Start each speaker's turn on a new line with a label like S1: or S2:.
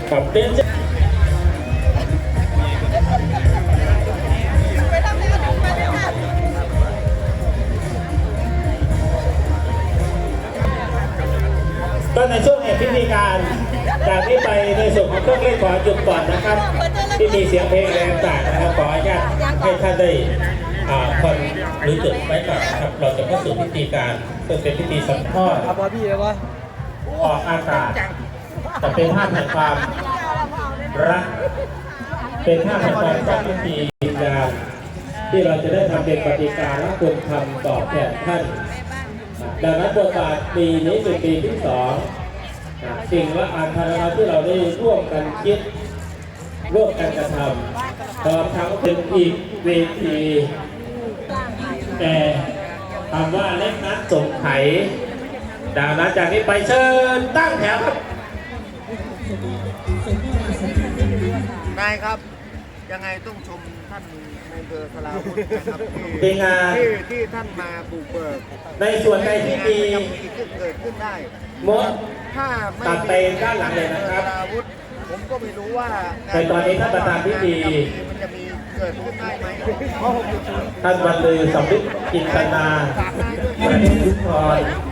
S1: กับเป็นก็ในช่วงแห่งพิธีการจากนี้ไปในส่วนของเครื่องเล่นขอจุดก่อนนะครับที่มีเสียงเพลงแรงต่างนะครับขออนุญาตให้ท่านได้คนรู้จุดไว้ก่อนครับเราจะเข้าสู่พิธีการซึ่งเป็นพิธีสัมภาษณ์ออกอากาศจะเป็นภาพแห่งความรักเป็นภาพแห่งความรักพิธีการที่เราจะได้ทำเป็นปฏิการและคุณทำตอบแทนท่านดังนั้นบทบาทปีนี้เป็นปีที่2สิ่งละอันธรรมที่เราได้ร่วมกันคิดร่วมกันกระทำพร้อมทั้งเป็นอีกเวทีแต่คำว่าเล็กนัดสงไขดังนั้นจากนี้ไปเชิญตั้งแถวครับ
S2: นายครับยังไงต้องชมท่านในอำเภอสลาวุธนะครับที่ท่านมาบุกเบิก
S1: ในส่วนใดที่มี
S2: เกิดขึ้นได้
S1: มด
S2: ถ้าไม่
S1: ตัดไปด้านหลังเลยนะครับ
S2: ผมก็ไม่รู้ว่า
S1: ในตอนนี้ท่านประธานพิธี
S2: มันจะมีเกิดขึ้นได้ไหม
S1: ท่านบรรลือสำนึกจินตนาประเทศทุกคน